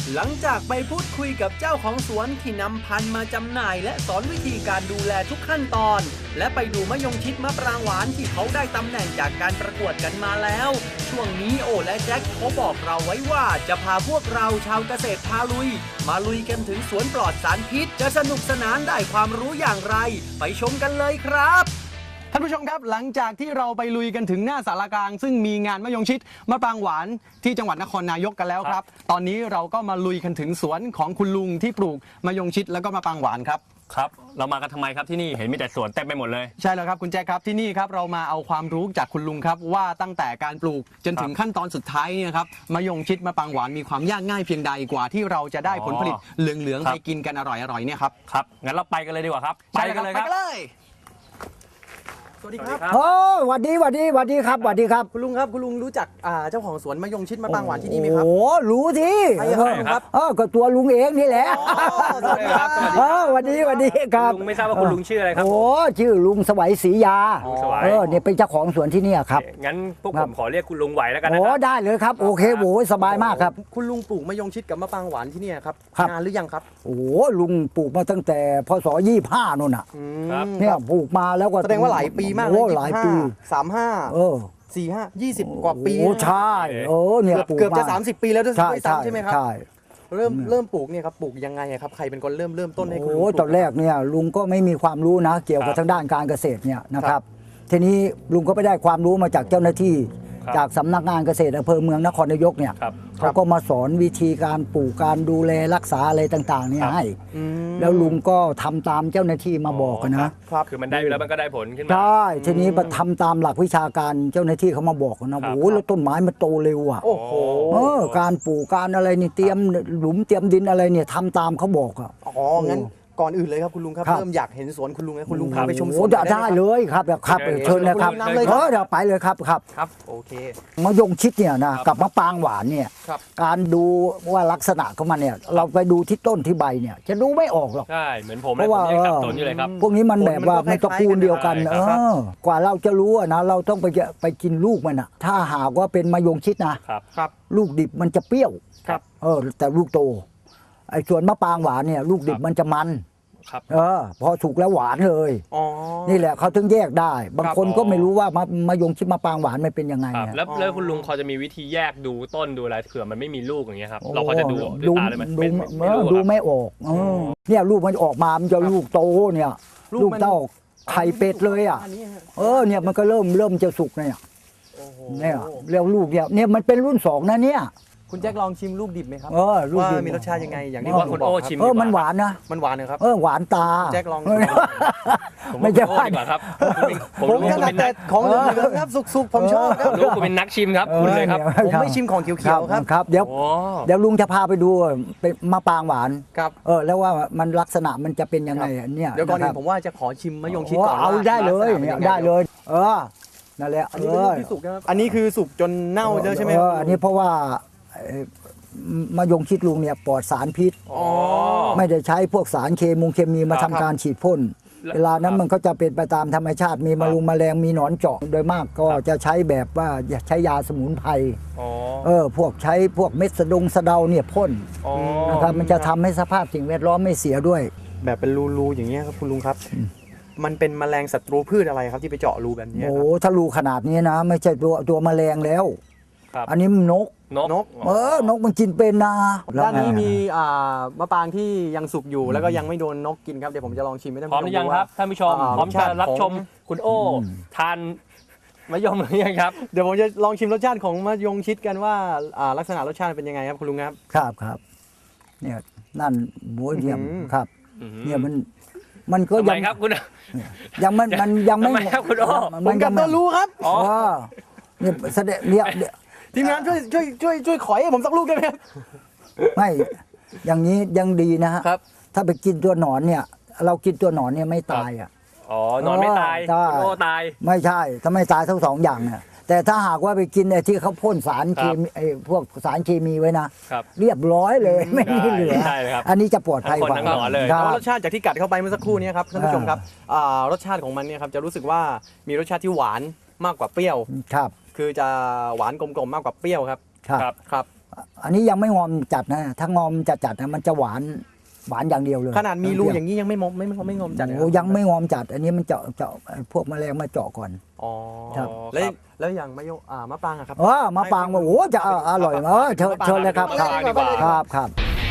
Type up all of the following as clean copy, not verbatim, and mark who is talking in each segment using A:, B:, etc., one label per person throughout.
A: หลังจากไปพูดคุยกับเจ้าของสวนที่นำพันธุ์มาจำหน่ายและสอนวิธีการดูแลทุกขั้นตอนและไปดูมะยงชิดมะปรางหวานที่เขาได้ตำแหน่งจากการประกวดกันมาแล้วช่วงนี้โอและแจ็คเขาบอกเราไว้ว่าจะพาพวกเราชาวเกษตรพาลุยมาลุยกันถึงสวนปลอดสารพิษจะสนุกสนานได้ความรู้อย่างไรไปชมกันเลยครับท่านผู้ชมครับหลังจากที่เราไปลุยกันถึงหน้าศาลากลางซึ่งมีงานมะยงชิดมะปรางหวานที่จังหวัดนครนายกกันแล้วครับตอนนี้เราก็มาลุยกันถึงสวนของคุณลุงที่ปลูกมะยงชิดแล้วก็มะปรางหวานครับ
B: ครับเรามากันทำไมครับที่นี่เห็นมีแต่สวนเต็มไปหมดเลย
A: ใช่แล้วครับคุณแจ๊คครับที่นี่ครับเรามาเอาความรู้จากคุณลุงครับว่าตั้งแต่การปลูกจนถึงขั้นตอนสุดท้ายเนี่ยครับมะยงชิดมะปรางหวานมีความยากง่ายเพียงใดกว่าที่เราจะได้ผลผลิตเหลืองๆไปกินกันอร่อยๆเนี่ยครับ
B: ครับงั้นเราไปกันเลยดีกว่าครับไปกันเลยครับ
A: สวัสดีครับ
C: โอ้หวัดดีครับหวัดดีครับ
A: คุณลุงครับคุณลุงรู้จักเจ้าของสวนมะยงชิดมะปรางหวานที่นี่ไหมครับ
C: โอ้รู้สิ
A: ครับ
C: ก็ตัวลุงเองนี่แหละ
A: สวัสดีครับ
C: หวัดดีครับ
B: ลุงไม่ทราบว่าคุณลุงชื่ออะไรครับ
C: โอ้ชื่อลุงสวัยศรียาเนี่ยเป็นเจ้าของสวนที่นี่ครับ
B: งั้นพวกผมขอเรียกคุณลุงไหวแล้วกันนะ
C: โอ้ได้เลยครับโอเคโว้สบายมากครับ
A: คุณลุงปลูกมะยงชิดกับมะปรางหวานที่นี่ครับนานหรือยังครับ
C: โอ้ลุงปลูกมาตั้งแต่พศ25นู่นน่ะเนี่ยปลูกมาแล้วก็
A: แสดงว่าหลายปีมากเลย
C: หลายปี
A: 35 45 20 กว่าปี
C: โอ้ใช่เนี่ย
A: เกือบจะ30 ปีแล้วด้วยซ้ำใช่ไหมครับ
C: ใช่
A: เริ่มปลูกเนี่ยครับปลูกยังไงครับใครเป็นคนเริ่มต้นให้คุณลุง
C: โอ้ตอนแรกเนี่ยลุงก็ไม่มีความรู้นะเกี่ยวกับทางด้านการเกษตรเนี่ยนะครับทีนี้ลุงก็ไปได้ความรู้มาจากเจ้าหน้าที่จากสำนักงานเกษตรอำเภอเมืองนครนายกเนี่ยเขาก็มาสอนวิธีการปลูกการดูแลรักษาอะไรต่างๆเนี่ยให้แล้วลุงก็ทำตามเจ้าหน้าที่มาบอกนะ
B: คือมันได้อยู่แล้วมันก็ได้ผลขึ้นมา
C: ใช่ทีนี้มาทำตามหลักวิชาการเจ้าหน้าที่เขามาบอกนะโอ้โหแล้วต้นไม้มันโตเร็วอ่ะ
A: โอ้โห
C: การปลูกการอะไรนี่เตรียมหลุมเตรียมดินอะไรเนี่ยทำตามเขาบอกอ่ะ
A: อ๋องั้นก่อนอื่นเลยครับคุณลุงครับเริ่มอยากเห็นสวนคุณลุงนะคุณลุงพาไปชมสวน
C: ได้เลยครับเชิญเลยครับเดี๋ยวไปเลยครับ
A: โอเค
C: มะยงชิดเนี่ยนะกับมะปรางหวานเนี่ยการดูว่าลักษณะของมันเนี่ยเราไปดูที่ต้นที่ใบเนี่ยจะดูไม่ออกหรอก
B: ใช่เหมือนผมเพราะว่าต้นอยู่เลยครับ
C: พวกนี้มันแบบว่ามันตระกูลเดียวกันกว่าเราจะรู้นะเราต้องไปกินลูกมันอ่ะถ้าหากว่าเป็นมะยงชิดนะครับลูกดิบมันจะเปรี้ยวแต่ลูกโตไอ้ส่วนมะปรางหวานเนี่ยลูกดิบมันจะมันพอสุกแล้วหวานเลยนี่แหละเขาถึงแยกได้บางคนก็ไม่รู้ว่ามะยงชิดมะปรางหวานมันเป็นยังไง
B: แล้วคุณลุงพอจะมีวิธีแยกดูต้นดูอะไรเผื่อมันไม่มีลูกอย่างเงี้ยครับเราพอจะดูด้วยตาเลยไหม
C: ดูไม่ออกเนี่ยลูกมันออกมามันจะลูกโตเนี่ยลูกเต้าไข่เป็ดเลยอ่ะเนี่ยมันก็เริ่มจะสุกเนี่ยแล้วลูกเนี่ยมันเป็นรุ่น2นะเนี่ย
A: คุณแจ็คลองชิมลูกดิบไหมครับ
C: ว่า
A: มีรสชาติยังไงอย่างที่
B: คุณโอ้ชิม
C: มันหวานนะ
A: มันหวานนะครับ
C: หวานตา
A: แจ็คลอง
C: ไม่ใช่
B: ครับ
A: ผมถนัดแต่ของเหลืองครับสุกๆผมชอบครับ
B: ลูกคุณเป็นนักชิมครับคุณเลยครับ
A: ผมไม่ชิมของเขียวๆ
C: ครับเดี๋ยวลุงจะพาไปดูเป็นมะปรางหวาน
A: ครับ
C: แล้วว่ามันลักษณะมันจะเป็นยังไงเนี่ย
A: เดี๋ยวก่อนอื่นผมว่าจะขอชิมมะยงชิดก่อน
C: เอาได้เลยนั่นแหละ
A: อันนี้เป็นลูกที่สุกนะครับอันนี้คือสุกจนเน่าแล้วใช่ไหม
C: อันนี้เพราะว่ามะยงชิดลุงเนี่ยปลอดสารพิษไม่ได้ใช้พวกสารเคมีมาทำการฉีดพ่นเวลานั้นมันก็จะเป็นไปตามธรรมชาติมีแมลงมีหนอนเจาะโดยมากก็จะใช้แบบว่าใช้ยาสมุนไพรพวกใช้พวกเม็ดสะเดาเนี่ยพ่นนะครับมันจะทำให้สภาพสิ่งแวดล้อมไม่เสียด้วย
A: แบบเป็นรูอย่างเงี้ยครับคุณลุงครับมันเป็นแมลงศัตรูพืชอะไรครับที่ไปเจาะรูแบบนี้
C: ถ้ารูขนาดนี้นะไม่ใช่ตัวแมลงแล้วอันนี้นกมันกินเป็นนะ
A: ด้านนี้มีมะปรางที่ยังสุกอยู่แล้วก็ยังไม่โดนนกกินครับเดี๋ยวผมจะลองชิมให้ท่าน
B: ผู้ชมพร้อมหรือยังครับท่านผู้ชมพร้อมจะรับชมคุณโอ้ทานมะยมหรือยังครับ
A: เดี๋ยวผมจะลองชิมรสชาติของมะยงชิดกันว่าลักษณะรสชาติเป็นยังไงครับคุณลุง
C: ครับเนี่ยนั่นหมูเยี่ยมครับเนี่ยมันก็
B: ยังครับคุณ
C: ยังไม่
B: ครับคุณโอ้
A: ผมกับตัวรู้ครับ
C: เนี่ยแสดงเนี่ย
A: ทีมงานช่วยขอยให้ผมสักลูกได้ไหม
C: ไม่อย่างนี้ยังดีนะฮะถ้าไปกินตัวหนอนเนี่ยเรากินตัวหนอนเนี่ยไม่ตาย
B: หนอนไม่ตายโอ้ตาย
C: ไม่ใช่ถ้าไม่ตายทั้ง2อย่างเนี่ยแต่ถ้าหากว่าไปกินไอ้ที่เขาพ่นสารเคมีพวกสารเคมีไว้นะเรียบร้อยเลยไม่มีเหลืออันนี้จะปลอดภัยกว่
A: ารสชาติจากที่กัดเข้าไปเมื่อสักครู่นี้ครับท่านผู้ชมครับรสชาติของมันเนี่ยครับจะรู้สึกว่ามีรสชาติที่หวานมากกว่าเปรี้ยวคือจะหวานกลมๆมากกว่าเปรี้ยวครับ
C: อันนี้ยังไม่งอมจัดนะถ้างอมจัดนะมันจะหวานอย่างเดียวเลย
D: ขนาดมีรูอย่างนี้ยังไม่งอมจัดเลย
C: โอ้ยังไม่งอมจัด อันนี้มันเจาะพวกแมลงมาเจาะก่อน
D: อ๋อ
C: ครับ
D: แล้วอย่างมะปรางอะครับ
C: มะปรางว่าโอ้จะอร่อยมากเชิญเลยครับ
B: มะปรางดีกว่า
C: ครับ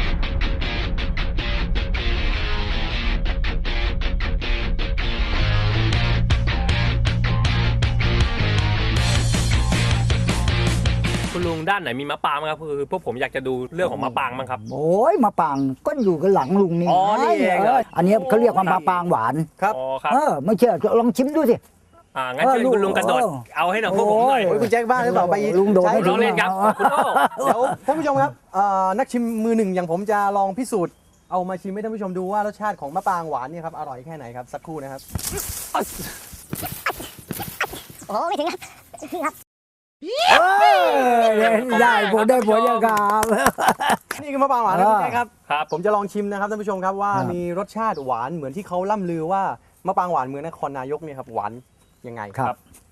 B: คุณลุงด้านไหนมีมะปรางบ้างครับคือพวกผมอยากจะดูเรื่องของมะปรางบ้างครับ
C: โอ้ยมะปรางก็อยู่กันหลังลุงนี่
B: อ๋อนี่เองเหรอ
C: อันนี้เขาเรียกว่ามะปรางหวาน
D: ครับ
B: อ๋อครับ
C: ไม่เชื่อลองชิมดูสิ
B: งั้นเชิญคุณลุงกระโดดเอาให้หน่อยพวกผมหน่อย
D: โอ้ยคุณแจ็คบ้าหรือเปล่าไป
C: ลุงโดด
D: ใช้
C: ให้ถึ
B: น้อง งเล่นครับคุณโอ้
D: เดี๋ยวท่านผู้ชมครับนักชิมมือหนึ่งอย่างผมจะลองพิสูจน์เอามาชิมให้ท่านผู้ชมดูว่ารสชาติของมะปรางหวานเนี่ยครับอร่อยแค่ไหนครับสักครู่นะครับ
E: โอ้ไม่ถึงครับครับ
C: ได้ผลยังครับ
D: นี่คือมะปรางหวานนะคุณแจ็คครับ
B: ครับ
D: ผมจะลองชิมนะครับท่านผู้ชมครับว่า
C: ครับ
D: มีรสชาติหวานเหมือนที่เขาล่ำลือว่ามะปรางหวานเมืองนครนายกเนี่ยครับหวานยังไง
C: ครับ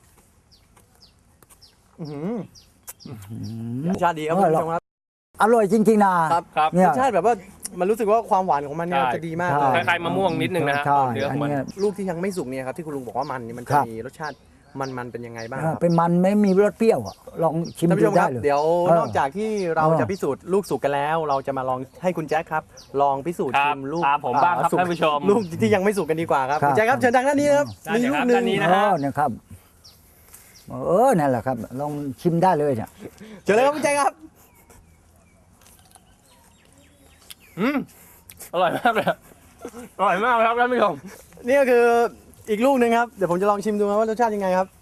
D: อื้อหือรสชาติดีครับท่านผู้ชมครับ
C: อร่อยจริงๆนะครับ
B: ครับ
C: เนี่
D: ร
C: ย
D: สชาติแบบว่ามันรู้สึกว่าความหวานของมันเนี่ย
B: ใช่
D: จะดีมาก
C: ใช่
D: เลย
B: คล้ายๆมะม่วงนิดนึงนะฮะ
C: ใช่
B: เนื้อ
C: อั
B: ข
C: น
B: องมัน
C: เนี้ย
D: ลูกที่ยังไม่สุกเนี่ยครับที่คุณลุงบอกว่ามันเนี่ยมัน
C: ค
D: จะ
C: รับ
D: มีรสชาติมันเป็นยังไงบ้างค
C: อ่า
D: รับ
C: เป็นมันไม่มีรสเปรี้ยวอะลองชิม
D: ท่านผู้
C: ดู
D: ชมค
C: ได้
D: รับ
C: เลย
D: เดี๋ยว
C: เออ
D: นอกจากที่เรา
C: เออ
D: จะพิสูจน์ลูกสุกกันแล้ว เราจะมาลองให้คุณแจ็คครับ ลองพิสูจน์
B: ครั
D: ชิ
B: บ
D: มลูก
B: ตามผมบ้างครับ
D: สุก
B: ท่านผู้ชม
D: ลูกที่ยังไม่สุกกันดีกว่าครับ
C: ครับ
D: คุณแจ็คครับเชิญทางด้านนี้นะครับ
B: ได้
D: มี
B: เดี๋ยว
D: ลู
B: ค
D: ก
B: รับ
D: หนึ่
B: ด้าง นนี้นะฮะ
C: เนี่ยครับนั่นแหละครับ ลองชิมได้เลยเนี่ย
D: เชิญเลยครับคุณแจ็คครับ
B: อร่อยมากเลยอร่อยมากครับท่านผู้ชม
D: นี่ก็คืออีกลูกหนึ่งครับเดี๋ยวผมจะลองชิมดูครับว่ารสชาติยังไงครับ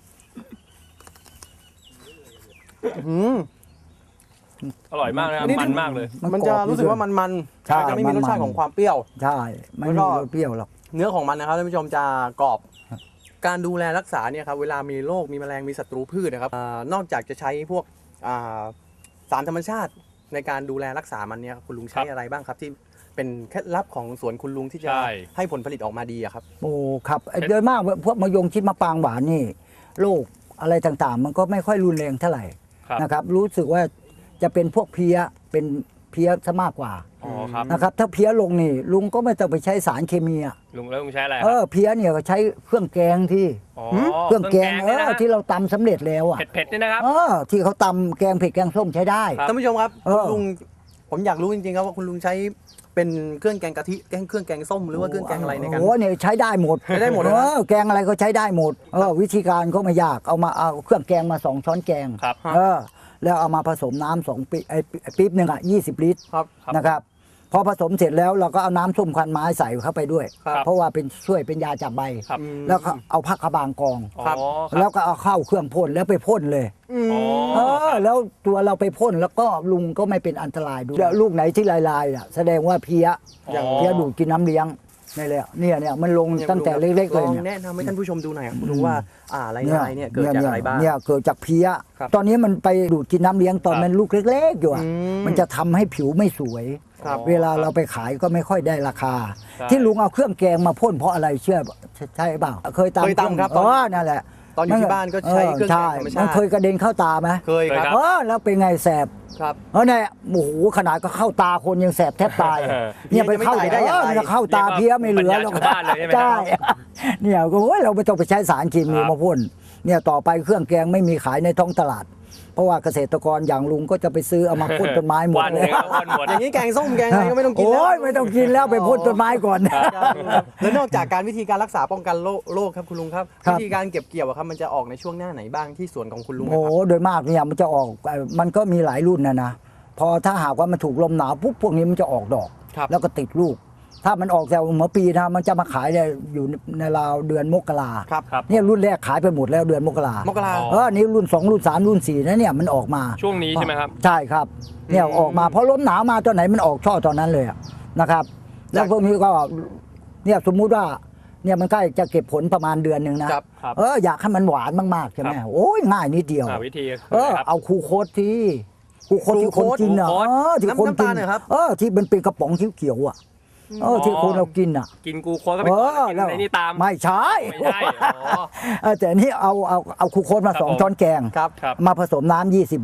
D: อื้อ
B: อร่อยมากนะครับมันมากเลย
D: หือมันจะรู้สึกว่ามัน
C: ใช่
D: จะไม่มีรสชาติ
C: มันๆ
D: ของความเปรี้ยว
C: ใช่ไม่
D: แล้ว
C: มี
D: ก็
C: รสเปรี้ยวหรอก
D: เนื้อของมันนะครับท่านผู้ชมจะกรอบ การดูแลรักษาเนี่ยครับเวลามีโรคมีแมลงมีศัตรูพืชนะครับนอกจากจะใช้พวกสารธรรมชาติในการดูแลรักษามันเนี่ยคุณลุงใช้
B: ครับ
D: อะไรบ้างครับที่เป็นเคล็ดลับของสวนคุณลุงที่จะ
B: ใช่
D: ให้ผลผลิตออกมาดีอะครับ
C: โอ้ครับโดยมากพวกมะยงชิดมะปรางหวานนี่โรคอะไรต่างๆ มันก็ไม่ค่อยรุนแรงเท่าไหร่
B: ครับ
C: นะครับ รู้สึกว่าจะเป็นพวกเพี้ยเป็นเพี้ยซะมากกว่า
B: อ๋อครับ
C: นะครับ ถ้าเพี้ยลงนี่ลุงก็ไม่ต้องไปใช้สารเคมีอะ
B: ลุงแล้วลุงใช้อะไรค
C: เอ
B: รับ
C: อเพี้ยเนี่ยก็ใช้เครื่องแกงที่
B: อ๋อ
C: เครื่องแกง
B: เนี่ยนะฮะ
C: ที่เราตำสำเร็จแล้วอ่ะ
B: เผ็ดๆเนี่ยนะครับ
C: ที่เขาตำแกงเผ็ดแกงส้มใช้ได้
B: ครับ
D: ท่านผู้ชมครับ
C: เออ
D: คุณลุงผมอยากรู้จริงๆครับว่าคุณลุงใช้เป็นเครื่องแกงกะทิเครื่องแกงส้มหรือว่าเครื่องแกงอะไรในการ
C: โอ้เนี่ยใช้ได้หมด
D: ใช้ได้หมดเลยนะ
C: แกงอะไรก็ใช้ได้หมดวิธีการก็ไม่ยากเอาเครื่องแกงมา2 ช้อนแกง
B: ครับ
C: แล้วเอามาผสมน้ำ2 ปี๊บหนึ่ง20 ลิตร
D: ครับ
C: นะครับพอผสมเสร็จแล้วเราก็เอาน้ำส้มควันไม้ใส่เข้าไปด้วย
D: ครับ
C: เพราะว่าเป็นช่วยเป็นยาจับใบ
B: ครับ
C: แล้วก็เอาผักกระบางกอง
D: ครับ
B: อ๋อค
C: แล้
B: รับ
C: วก็เอาเข้าเครื่องพ่นแล้วไปพ่นเลย
B: อ๋อ
C: แล้วตัวเราไปพ่นแล้วก็ลุงก็ไม่เป็นอันตรายด้วยแล้วลูกไหนที่ลายๆแสดงว่าเพี้ย
D: อย่าง
C: เพี้ยดูดกินน้ำเลี้ยงนี่แหละเนี่ยมันลงตั้งแต่เล็กๆเลย
D: ลอง
C: เนี่ย
D: แนะนำให้ท่านผู้ชมดูหน่อยครับคุณลุงว่าลายๆเนี่ยเกิดจากอะไรบ้าง
C: เนี่ยเกิดจากเพี้ย
D: ครับ
C: ตอนนี้มันไปดูดกินน้ำเลี้ยงตอนมันลูกเล็กๆอยู่อะ
D: อืม
C: มันจะทำให้ผิวไม่สวย
D: ครับ
C: เวลาเราไปขายก็ไม่ค่อยได้ราคา
B: ใช่
C: ที่ลุงเอาเครื่องแกงมาพ่นเพราะอะไรเชื่อใช่เปล่าเคยตำ
D: เคยตำครับ
C: นั่นแหละ
D: ตอนอยู่ที่บ้านก็ใช้เครื่องแกงธรรมชาติ
C: มันเคยกระเด็นเข้าตาไหม
D: เคยครับ
C: แล้วเป็นไงแสบ
D: ครับ
C: เนี่ยโอ้โหขนาดก็เข้าตาคนยังแสบแทบตาย เนี่ยไปเข้า
D: จะไม่ตายได้อย่างไร
C: มันจะเข้าตาเพี้ยไม่เหลือ
B: ปัญญาชาวบ้านเลยใช่ไหมครับ
C: ใช่เนี่ยก็โอ้ยเราไม่ต้องไปใช้สารเคมี
B: ครับ
C: มาพ่นเนี่ยต่อไปเครื่องแกงไม่มีขายในท้องตลาด เพราะว่าเกษตรกรอย่างลุงก็จะไปซื้อเอามาพ่นต้นไม้หมด
B: วัน
C: เล
B: เดี
C: ย
B: ยววันหมด
D: อย่างนี้แกงส้มแกงอะไรก็ไม่ต้องกินแล้ว
C: โอ้ยไม่ต้องกินแล้วไปพ่นต้นไม้ก่อน
D: แล้วนอกจากการวิธีการรักษาป้องกันโรคครับคุณลุงครับ
C: ครับ
D: วิธีการเก็บเกี่ยวอะครับมันจะออกในช่วงหน้าไหนบ้างที่สวนของคุณลุง
C: โอ้
D: นะ
C: โห
D: ครับ
C: โดยมากเนี่ยมันจะออกมันก็มีหลายรุ่นนะพอถ้าหากว่ามันถูกลมหนาวปุ๊บพวกนี้มันจะออกดอก
D: ครับ
C: แล้วก็ติดลูก ถ้ามันออกแต่หัวปีนะมันจะมาขายเนี่ยอยู่ในราวเดือนมกรา
D: ครับ
B: ครับ
C: เนี่ยรุ่นแรกขายไปหมดแล้วเดือนมกราม
D: กรา
B: อ๋อ
C: นี่รุ่น 2 รุ่น 3 รุ่น 4นะเนี่ยมันออกมา
B: ช่วงนี้ใช่ไหมครับ
C: ใช่ครับเนี่ยออกมาเพราะลมหนาวมาตอนไหนมันออกช่อตอนนั้นเลยอะนะครับ แล้วพวกนี้ก็เนี่ยสมมุติว่าเนี่ยมันใกล้จะเก็บผลประมาณเดือนหนึ่งนะครับ
B: ครับ
C: อยากให้มันหวานมากๆใช่ไหม
B: ครับ
C: โอ้ยง่ายนิดเดียว
B: วิธี
C: เอาคูโคตที่คูโคตที่คนกินอ่ะ
B: คูโค้ด
C: ที่คน
D: น้ำ
C: กิ
D: ตาลเหรอครับ
C: ที่มันเป็นกระป๋องเขียวๆอ่ะที่คนเรากินอ่ะ
B: กินกูโค้ดก็ไปก่อนแล้วกินในนี่ตาม
C: ไม่ใช่
B: ไม่ใช่อ๋อ
C: แต่อันนี่เอาคูโคตมา
B: ครับผม
C: 2 ช้อนแกง
D: ครับ
B: ครับ
C: มาผสมน้ำ20 ลิตร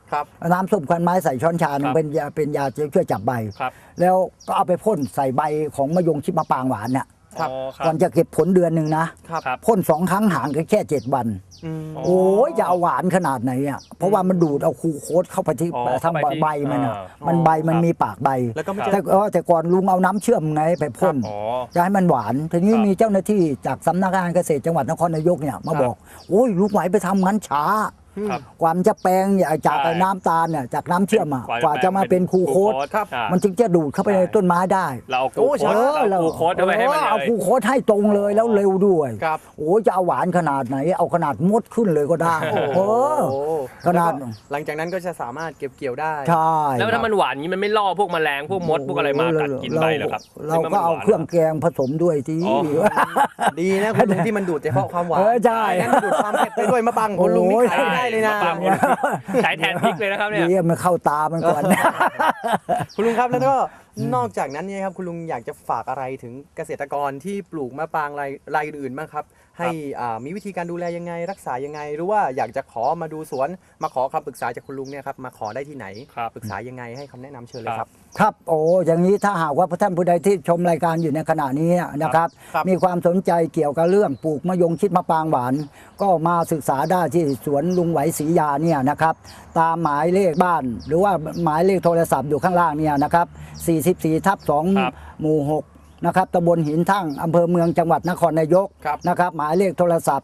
D: ครับ
C: น้ำส้มควันไม้ใส่ช้อนชาหนึ่งเป็นยาช่วยจับใบ
B: ครับ
C: แล้วก็เอาไปพ่นใส่ใบของมะยงชิดมะปรางหวานเนี่ย
D: ครับ
C: ก่อนจะเก็บผลเดือนหนึ่งนะครับ
B: ครับ
C: พ่น2 ครั้งห่างกันแค่ 7 วัน
D: อืม
B: อ๋อ
C: โอ้ยจะเอาหวานขนาดไหนอ่ะเพราะว่ามันดูดเอาคูโคสเข้าไปที่
B: อ๋อ
C: ทาง
B: เข้าไปที่
C: ใบมันอ่ะ
B: มัน
C: ใบมัน
B: ครับ
C: มีปากใบ
D: แล้วก็ไม่
C: แต่ก่อนลุงเอาน้ำเชื่อมไงไปพ่น
B: อ๋อ
C: จะให้มันหวานทีนี้
B: ครับ
C: มีเจ้าหน้าที่จากสำนักงานเกษตรจังหวัดนครนายกเนี่ยมาบอกโอ้ยลุงไหวไปทำงั้นช้า
B: ครับ
C: กว่ามันจะแปลงจาก
B: ใช่
C: น้ำตาลเนี่ยจากน้ำเชื่อมอ่ะ
B: ก
C: ก
B: ว่า
C: ว่า
B: จะ
C: จะมาเป็นคูโคส
D: ครับ
C: มันจึงจะดูดเข้าไปในต้นไม้ได้
B: เราเอากูโค้ดเรากูโค้ดเอาไว้ให้มัน
C: เอา
B: เลย
C: คูโคสให้ตรงเลยแล้วเร็วด้วย
D: ครับ
C: โอ้ยจะเอาหวานขนาดไหน เอาขนาดมดขึ้นเลยก็ได้
D: โอ้โห
C: ขนาด
D: แล้วก็หลังจากนั้นก็จะสามารถเก็บเกี่ยวได้
C: ใช่
B: แล้วถ้ามันหวานนี้มันไม่ล่อพวกแมลงพวกมดพวกอะไรมากัดกินใบเหรอครับ
C: เราก็เอาเครื่องแกงผสมด้วยที่
B: อ๋อ
D: ดีนะคุณลุงที่มันดูดเฉพาะความหวาน
C: ใช่
D: งั้นดูดความเผ็ดไปด้วยมะปังคุณลุงนี่ขายไม่ได้เลยนะ
B: มะปรางใช้แทนพริกเลยนะครับเนี่ย
C: ดีมันเข้าตามันก่อน
D: คุณลุงครับแล้วก็นอกจากนั้นเนี่ยครับคุณลุงอยากจะฝากอะไรถึงเกษตรกรที่ปลูกมะปรางรายอื่นๆบ้างครับ ให้มีวิธีการดูแลยังไงรักษายังไง หรือว่าอยากจะขอมาดูสวนมาขอคำปรึกษาจากคุณลุงเนี่ยครับมาขอได้ที่ไหน
B: ครับ
D: ปรึกษายังไงให้คำแนะนำเชิญเลยครับ
C: ครับโอ้อย่างนี้ถ้าหากว่าท่านผู้ใดที่ชมรายการอยู่ในขณะนี้นะครับ
D: ครับ
C: มีความสนใจเกี่ยวกับเรื่องปลูกมะยงชิดมะปรางหวาน ก็มาศึกษาได้ที่สวนลุงไหวศรียาเนี่ยนะครับตามหมายเลขบ้าน หรือว่าหมายเลขโทรศัพท์อยู่ข้างล่างเนี่ยนะครับ44/2 หมู่ 6นะครับตำบลหินทั่งอำเภอเมืองจังหวัดนครนายก
D: ครับ
C: นะครับหมายเลขโทรศัพท์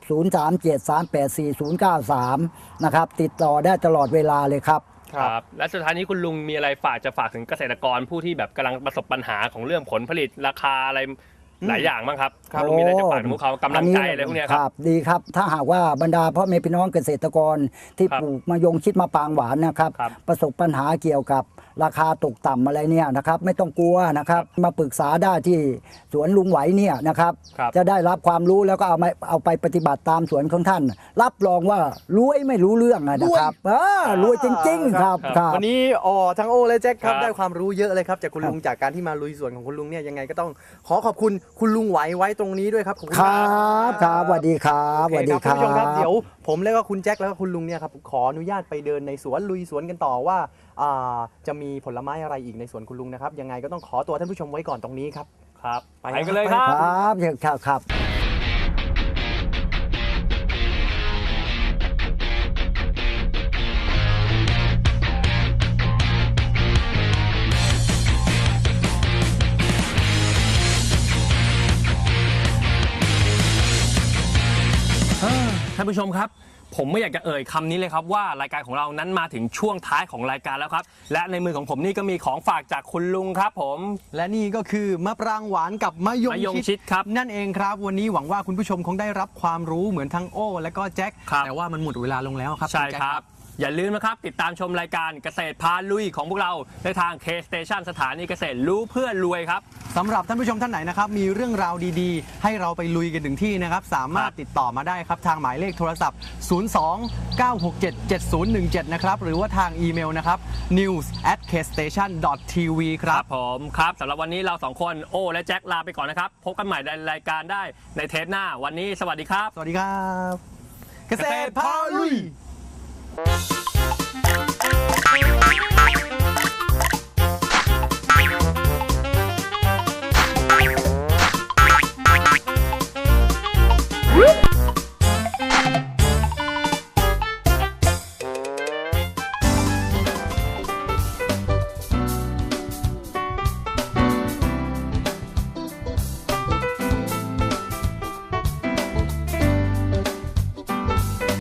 C: 0373844093นะครับติดต่อได้ตลอดเวลาเลยครับ
B: ครับ และสุดท้ายนี้คุณลุงมีอะไรฝากถึงเกษตรกรผู้ที่แบบกำลังประสบปัญหาของเรื่องผลผลิตราคาอะไรหลายอย่างบ้างครับคุณลุงมีอะไรจะฝากถึงพวกเขากำลังใจอะไรพวกเนี้ยครับ
C: ดีครับถ้าหากว่าบรรดาพ่อแม่พี่น้องเกษตรกรที่
B: ครับ
C: ปลูกมะยงชิดมะปรางหวานนะครับ
B: ครับ
C: ประสบปัญหาเกี่ยวกับราคาตกต่ำอะไรเนี่ยนะครับไม่ต้องกลัวนะครับมาปรึกษาได้ที่สวนลุงไหวเนี่ยนะครับ
B: ครับ
C: จะได้รับความรู้แล้วก็เอาไปปฏิบัติตามสวนของท่าน รับรองว่ารวยไม่รู้เรื่องนะครับรวยจริงๆครับครับ
D: วันนี้ทั้งโอและแจ็คครับ
B: ครับ
D: ได้ความรู้เยอะเลยครับจากคุณลุงจากการที่มาลุยสวนของคุณลุงเนี่ยยังไงก็ต้องขอขอบคุณคุณลุงไหวไว้ตรงนี้ด้วยครับขอบคุณ
C: ครับครับสวัสดีครับ
D: โอ
C: สวัส
D: เค
C: ดี
D: ครับ
C: ค
D: คุณ
C: รับ
D: ผู้ชมครับเดี๋ยวผมแล้วก็คุณแจ็คแล้วก็คุณลุงเนี่ยครับขออนุญาตไปเดินในสวนลุยสวนกันต่อว่าจะมีผลไม้อะไรอีกในสวนคุณลุงนะครับยังไงก็ต้องขอตัวท่านผู้ชมไว้ก่อนตรงนี้ครับ
B: ครับ
D: ไป
B: ไปกันเลยครับ
C: ครับ
B: ท่านผู้ชมครับ ผมไม่อยากจะเอ่ยคำนี้เลยครับว่ารายการของเรานั้นมาถึงช่วงท้ายของรายการแล้วครับ และในมือของผมนี่ก็มีของฝากจากคุณลุงครับผม
D: และนี่ก็คือมะปรางหวานกับมะยง
B: มะยงชิดครับ
D: นั่นเองครับวันนี้หวังว่าคุณผู้ชมคงได้รับความรู้เหมือนทั้งโอและก็แจ็ค
B: ครับ
D: แต่ว่ามันหมดเวลาลงแล้วครับ
B: ใช่
D: ณแจ็
B: ครับ อย่าลืมนะครับ ติดตามชมรายการเกษตรพาลุยของพวกเราในทาง K Station สถานีเกษตรรู้เพื่อรวยครับ
D: สำหรับท่านผู้ชมท่านไหนนะครับมีเรื่องราวดีๆ ให้เราไปลุยกันถึงที่นะครับสามารถติดต่อมาได้ครับทางหมายเลขโทรศัพท์ 02-967-7017 นะครับหรือว่าทางอีเมลนะครับ news@kstation.tv ค
B: ค
D: รั
B: รับ บผมครับสำหรับวันนี้เราสองคนโอและแจ็คลาไปก่อนนะครับ พบกันใหม่ในรายการได้ในเทปหน้าวันนี้สวัสดีครับ
D: สวัสดีครับ เกษตรพาลุย